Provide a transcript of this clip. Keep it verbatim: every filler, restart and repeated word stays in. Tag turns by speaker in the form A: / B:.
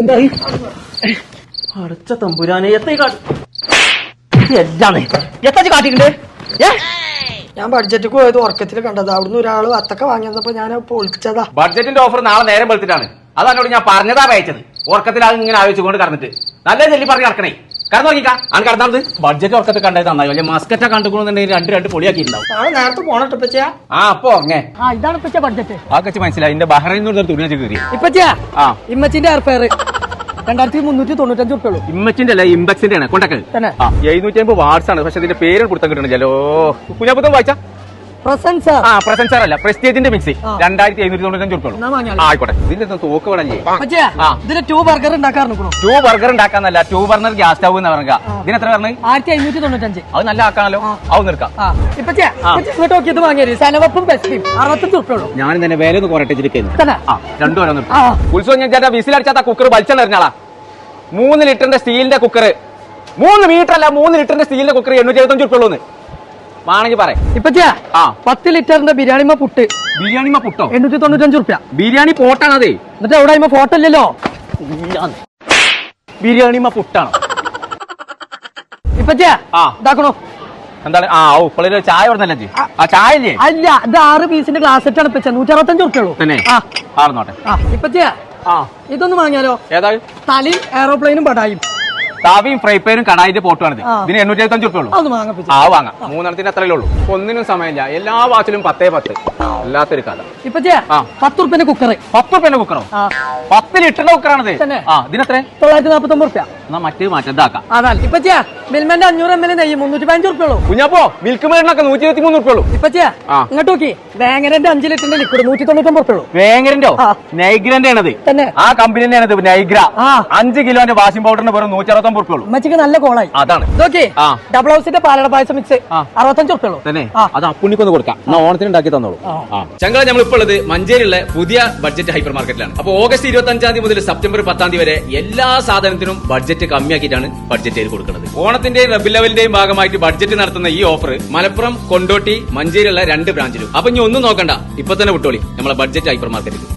A: എന്തായി അടച്ച തമ്പുരാനെ എത്ര എല്ലാന്ന് എത്ര കാട്ടിട്ടുണ്ട് ഏ
B: ഞാൻ ബഡ്ജറ്റ് പോയത് ഉറക്കത്തിൽ കണ്ടത് അവിടുന്ന് ഒരാള് അത്തൊക്കെ വാങ്ങിയപ്പോ ഞാൻ പൊളിച്ചതാ.
C: ബഡ്ജറ്റിന്റെ ഓഫർ നാളെ നേരം വെളുത്തിട്ടാണ്. അതന്നോട് ഞാൻ പറഞ്ഞതാ അയച്ചത്. ഉറക്കത്തിൽ അത് ഇങ്ങനെ ആലോചിച്ചുകൊണ്ട് കടന്നിട്ട് നല്ല ചെല്ലി പറഞ്ഞ് കിടക്കണേ. കടന്നു നോക്കിക്കാ ആണ് കടന്നത്. ബഡ്ജറ്റ് ഉറക്കത്തിൽ കണ്ടത് നന്നായി. വലിയ മസ്കറ്റ കണ്ടുകൊണ്ടെങ്കിൽ രണ്ട് രണ്ട് പൊളിയാക്കിയിട്ടുണ്ടാവും.
B: നാളെ നേരത്തെ പോണട്ടോ ഇപ്പച്ചാ.
C: ആ അപ്പൊ ഉറങ്ങേ.
B: ആ ഇതാണ് ഇപ്പച്ച ബഡ്ജറ്റ്.
C: ആ കച്ച് മനസ്സിലായി. എന്റെ ബഹ്റൈനിൽ തുണി വെച്ച് കയറി
B: ഇപ്പച്ചാ.
C: ആ
B: ഇമ്മച്ചിന്റെ എയർഫെയർ രണ്ടായിരത്തി മുന്നൂറ്റി തൊണ്ണൂറ്റഞ്ച് ഉറുപ്പുള്ളൂ.
C: ഇമ്മച്ചിന്റെ അല്ല ഇംബക്സിന്റെ ആണ് കൊണ്ടൊക്കെ എഴുന്നൂറ്റി അമ്പത് വാട്സ് ആണ്. പക്ഷെ ഇതിന്റെ പേര് കൊടുത്താൽ കിട്ടണില്ലല്ലോ. കുഞ്ഞാപ്പുത്തം വായിച്ചാ
B: പ്രസൻസ്
C: ആ പ്രസൻസർ അല്ല പ്രസ്റ്റേജിന്റെ മിക്സി രണ്ടായിരത്തി എഴുന്നൂറ്റി തൊണ്ണൂറ്റഞ്ച് ഉറുപ്പുള്ളൂ. ആയിക്കോട്ടെ. ഇതിന്റെ തോക്ക് വേണല്ലേ.
B: ഇതിന് ടൂ ബർഗർ ഉണ്ടാക്കാറുണ്ടോ?
C: ടൂ ബർഗർ ഉണ്ടാക്കാന്നല്ല ടൂ ബർണർ ഗ്യാസ് സ്റ്റവ് എന്ന് പറഞ്ഞ ഇതിന് എത്ര പറഞ്ഞത്?
B: ആയിരത്തി അഞ്ഞൂറ്റി തൊണ്ണൂറ്റഞ്ച്.
C: അത് നല്ല ആക്കാണല്ലോ. അത് നിർക്കാം.
B: ഇങ്ങോട്ട് വാങ്ങിയത് സനവപ്പും ബെസ്റ്റും അറുപത്തഞ്ച് ഉറുപ്പുള്ളൂ.
C: ഞാൻ തന്നെ വേറെ ഒന്ന് കുറട്ടിച്ചിരിക്കുന്നു. രണ്ടു വരെ ഉത്സവം ഞാൻ ചേട്ടാ വിസിലടിച്ചാത്ത കുക്കർ വലിച്ചെറിഞ്ഞാളാ. മൂന്ന് ലിറ്ററിന്റെ സ്റ്റീലിന്റെ കുക്കർ മൂന്ന് മീറ്റർ അല്ല മൂന്ന് ലിറ്ററിന്റെ സ്റ്റീലിന്റെ കുക്കർ എണ്ണൂറ്റി എഴുപത്തഞ്ച് ഉറുപ്പുള്ളൂ വേണമെങ്കിൽ പറയാം.
B: ഇപ്പച്ചാ ആ പത്ത് ലിറ്ററിന്റെ ബിരിയാണിമ പുട്ട്
C: ബിരിയാണിമ പുട്ടോ
B: എണ്ണൂറ്റി തൊണ്ണൂറ്റഞ്ച് ഉറുപ്പ്യ.
C: ബിരിയാണി പോട്ടാണ് അതേ.
B: എന്നിട്ട് എവിടെ ഫോട്ടോ ഇല്ലല്ലോ.
C: ബിരിയാണിമ പുട്ടാണ്
B: ഇപ്പച്ചാ. ആ ഇതാക്കണോ
C: എന്താണ്? ആ ഓ ഇപ്പോഴൊരു ചായ പറഞ്ഞല്ലേ. ആ ചായ ഇല്ലേ?
B: അല്ല ഇത് ആറ് പീസിന്റെ ഗ്ലാസ് സെറ്റാണ് ഇപ്പച്ച നൂറ്റി അറുപത്തഞ്ച് ഉറുപ്പ്യുള്ളൂ
C: തന്നെ. ആർന്നോട്ടെ.
B: ഇപ്പച്ചാ ആ ഇതൊന്നും വാങ്ങിയാലോ.
C: ഏതാ?
B: തലയും എയറോപ്ലെയിനും പടായും
C: താവിയും ഫ്രൈ പാനും കടായിന്റെ പോട്ടുമാണ്. ഇതിന് എണ്ണൂറ്റി എഴുപത്തഞ്ച് ഉറുപ്പുള്ളൂ. ആ വാങ്ങാം. മൂന്നെണ്ണത്തിന് അത്രയല്ലേ ഉള്ളൂ. ഒന്നിനും സമയമില്ല. എല്ലാ വാച്ചിലും പത്തേ പത്ത്. അല്ലാത്തൊരു കഥ.
B: ഇപ്പൊ പത്ത് ഉറുപ്പിന്റെ കുക്കർ.
C: പത്ത് ഉറുപ്പിന്റെ കുക്കറോ? പത്ത് ലിറ്ററിന്റെ കുക്കറാണത്. ആ ഇതിനെത്ര?
B: തൊള്ളായിരത്തി നാപ്പത്തി ഒമ്പത് ഉറുപ്പ്യ.
C: എന്നാ മറ്റേ മാറ്റം
B: അതാണ് ഇപ്പൊ മിൽമന്റെ അഞ്ഞൂറ് എം എൽ നെയ്യ് മുന്നൂറ്റി പതിനഞ്ച് ഉറുപ്പുള്ളൂ.
C: കുഞ്ഞപ്പോ മിൽക്ക് മേടിനൊക്കെ നൂറ്റി ഇരുപത്തി മൂന്ന് ഉറുപ്പുള്ളൂ.
B: ഇപ്പൊ ഇങ്ങോട്ട് നോക്കി വേങ്ങരന്റെ അഞ്ച് ലിറ്ററിന്റെ ലിക്വിഡ് നൂറ്റി തൊണ്ണൂറ്റി ഉറുപ്പുള്ളൂ.
C: വേങ്ങരന്റെ നൈഗ്രന്റെ ആണത്. ആ കമ്പനിന്റെ ആണത് നൈഗ്ര. അഞ്ച് കിലോന്റെ വാഷിംഗ് പൗഡറിന് വെറും നൂറ്റി അറുപത്തി ഒമ്പത് ഉറുപ്പുള്ളൂ.
B: ഉമ്മച്ചിക്ക് നല്ല കോളായി.
C: അതാണ്
B: നോക്കി ഡബിൾ ഹൗസിന്റെ പാലട പായസം മിക്സ് അറുപത്തഞ്ച് ഉറുപ്പുള്ളൂ.
C: തന്നെ അത് അപ്പുണ്ണിക്കൊന്ന് കൊടുക്കാം. ഓണത്തിന് ഉണ്ടാക്കി തന്നോളൂ. ചങ്കള നമ്മളിപ്പോൾ ഉള്ളത് മഞ്ചേരിയുള്ള പുതിയ ബഡ്ജറ്റ് ഹൈപ്പർ മാർക്കറ്റിലാണ്. അപ്പൊ ഓഗസ്റ്റ് ഇരുപത്തി അഞ്ചാം തീയതി മുതൽ സെപ്റ്റംബർ പത്താം തീയതി വരെ എല്ലാ സാധനത്തിനും ബഡ്ജറ്റ് കമ്മിയാക്കിയിട്ടാണ് ബഡ്ജറ്റ് ചെയ്ത് കൊടുക്കുന്നത്. ഓണത്തിന്റെയും റബി ലെവലിന്റെയും ഭാഗമായിട്ട് ബഡ്ജറ്റ് നടത്തുന്ന ഈ ഓഫർ മലപ്പുറം, കൊണ്ടോട്ടി, മഞ്ചേരിയുള്ള രണ്ട് ബ്രാഞ്ചിലും. അപ്പൊ ഇനി ഒന്നും നോക്കണ്ട, ഇപ്പൊ തന്നെ വിട്ടോളി നമ്മളെ ബഡ്ജറ്റ് ഹൈപ്പർ മാർക്കറ്റിൽ.